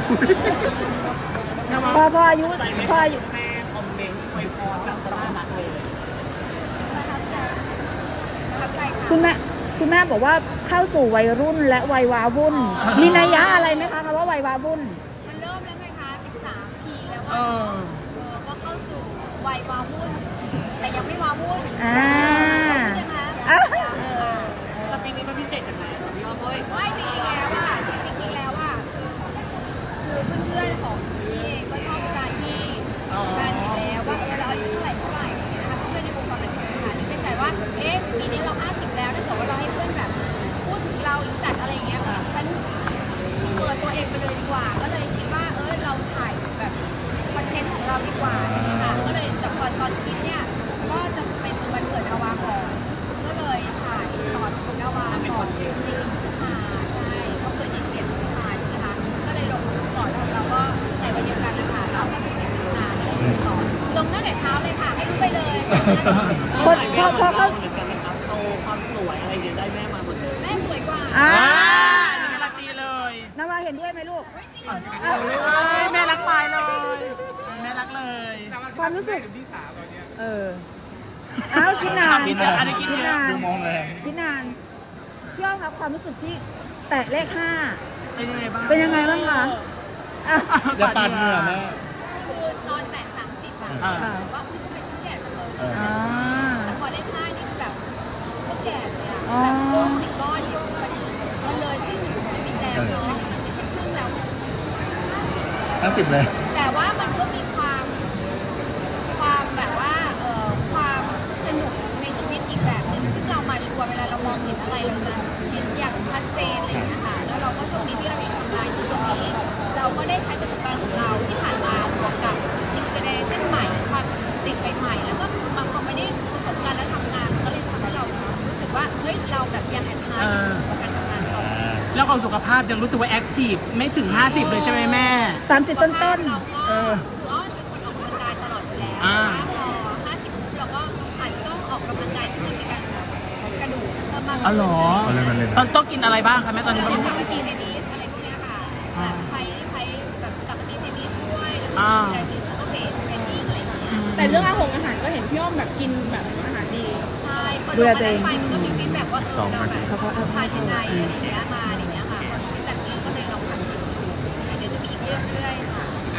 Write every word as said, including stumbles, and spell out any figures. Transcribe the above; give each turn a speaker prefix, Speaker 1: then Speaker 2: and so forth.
Speaker 1: พอพออายุพออายุ
Speaker 2: แม่คอมเมนต์อวยพรแบบสลารักเลย
Speaker 3: ประทับใจประทับใจค่ะ
Speaker 1: คุณแม่คุณแม่บอกว่าเข้าสู่วัยรุ่นและวัยวาวุ่นมีนัยยะอะไรไหมคะคำว่าวัยวาวุ่น
Speaker 3: มันเริ่มแล้วไงคะสิบสามทีแล้ว
Speaker 2: เอ
Speaker 3: ว่า
Speaker 2: อ
Speaker 3: เออก็เข้าสู่วัยวาวุ่นแต่ยังไม่วาวุ่น
Speaker 1: อ่า
Speaker 3: ใช่ไหม
Speaker 1: อ่ะ
Speaker 3: เออ
Speaker 2: แต่ปีนี้มันพิเศษยังไงครับพี่อ้อมเฮ้ย
Speaker 3: ไม่จริงๆแล้วว่าจริงๆแล้วว่าคือเพื่อนๆของพี่เองก็ชอบการที่การอยู่แล้วว่าเออเราอายุเท่าไหร่เท่าไหร่อย่างเงี้ยนะคะเพื่อนในวงการบันเทิงค่ะที่เป็นใจว่าเอ๊ะปีนี้เราห้าสิบแล้วถ้าเกิดว่าเราให้เพื่อนแบบพูดถึงเราหรือจัดอะไรอย่างเงี้ยฉันเปิดตัวเองไปเลยดีกว่า ก็เลยคิดว่าเออเราถ่ายแบบคอนเทนต์ของเราดีกว่าอะไรอย่างเงี้ยค่ะก็เลยแต่พอตอนคิดเนี่ยก็จะเป็นวันเกิดอาวาก่อนก็เลยถ่ายตอนคุณอาวาก่อนในเดือนพฤษภาใช่เขาเกิดยี่สิบเอ็ดพฤษภาใช่ไหมคะก็เลยลงก่อนแล้วเราก็ในวันเดียวกันนะคะเราก็สิบเจ็ดมิถุนายนอะไรอย่างเงี้ยต่อลงตั้งแต่เช้าเลยค่ะให้รู้ไปเลย
Speaker 1: คนพอพอเขา
Speaker 2: เหมือนกันไหมครับโตความสวยอะไรเดี๋ยวได้แม่มาหมดเลย
Speaker 3: แม่สวยกว่า
Speaker 1: อ่า
Speaker 2: การันตีเลย
Speaker 1: นาวาเห็นด้วยไหมลูก
Speaker 3: เฮ้ยจริงเหรอลูก
Speaker 1: อ่ะ
Speaker 2: เฮ้ยแม่รักไปเลยแม่รักเลย
Speaker 1: ความรู้สึกเอออ้าวคิดนาน
Speaker 2: กินเนี่ยอันนี้กิน
Speaker 1: คิด
Speaker 2: เนี่ย
Speaker 1: นาน
Speaker 4: ดูมองเลย
Speaker 1: คิดนานพี่อ้อมครับความรู้สึกที่แตะเลขห้า
Speaker 2: เป็นยังไงบ้าง
Speaker 1: เป็นยังไงบ้างคะอ่ะ
Speaker 4: อย่าปาดเหงื่อแม่
Speaker 3: คือตอนแต่สามสิบอะ
Speaker 2: อ่า
Speaker 3: รู้สึกว่าอุ๊ยทำไมฉันแก่จังเลยตอน
Speaker 1: อ่า
Speaker 3: นั้นแต่พอเลขห้านี่คือแบบไม่แก่เลยอะแบบโอ้ยก้อนเดียวมันมันเลยที่หนึ่งของชีวิตแล้วเนาะมันไม่ใช่ครึ่งแล้ว
Speaker 4: ห้าสิบเลย
Speaker 3: แต่ว่ามันก็มีความความแบบว่าเอ่อความสนุกในชีวิตอีกแบบหนึ่งซึ่งเรามาชัวร์เวลาเรามองเห็นอะไรเราจะเห็นอย่างชัดเจนเลยนะคะแล้วเราก็โชคดีที่เรามีทำงานอยู่ตรงนี้ เราก็ได้ใช้ประสบการณ์ของเราที่ผ่านมาบวกกับ new generation ใหม่ความติดใหม่ๆแล้วก็มาพอไม่ได้ประสบการณ์และทำงานมันก็เลยทำให้เรารู้สึกว่าเฮ้ยเราแบบยังแอนทายังสุดกับการทำงานต่อ
Speaker 2: แล้วความสุขภาพยังรู้สึกว่าแอคทีฟไม่ถึงห้าสิบเลยใช่ไหมแม่
Speaker 1: สามสิบต้นต้น
Speaker 3: เราก็
Speaker 2: เออ
Speaker 3: คืออ้อเป็นคนออกกำลังกายตลอดอยู่แล้ว
Speaker 2: อ่า
Speaker 3: พอห้าสิบปุ๊บเราก็อาจจะต้องออกกำลังกายที่มันมีการกระดูกเพิ่มมาก
Speaker 2: อ๋อเหรอ
Speaker 4: เอาเลยมาเลย
Speaker 2: ตอนต้องกินอะไรบ้างคะแม่ตอนนี้
Speaker 3: เล่นกลับมาตีเทนนิสอะไรพวกเนี้ยค่ะแบบใช้ใช้แบบกลับมาตีเทนนิสด้วยแล้วก็ดูแลทีสก็เบสเทรนนิ่งอะไรอย่างเงี้ย
Speaker 5: แต่เรื่องอาหารอาหารก็เห็นพี่อ้อมแบบกินแบบอาหารดี
Speaker 3: ใช่พอลงมาได้ไปมันก็มีฟีดแบ็กว่าเออเราแบบทานยังไงอะไรอย่างเงี้ยมาอะไรอย่างเงี้ยค่ะพอฟีดแบ็กนี้ก็เลยลองทำดูเดี๋ยวจะมีอีกเรื่อยๆ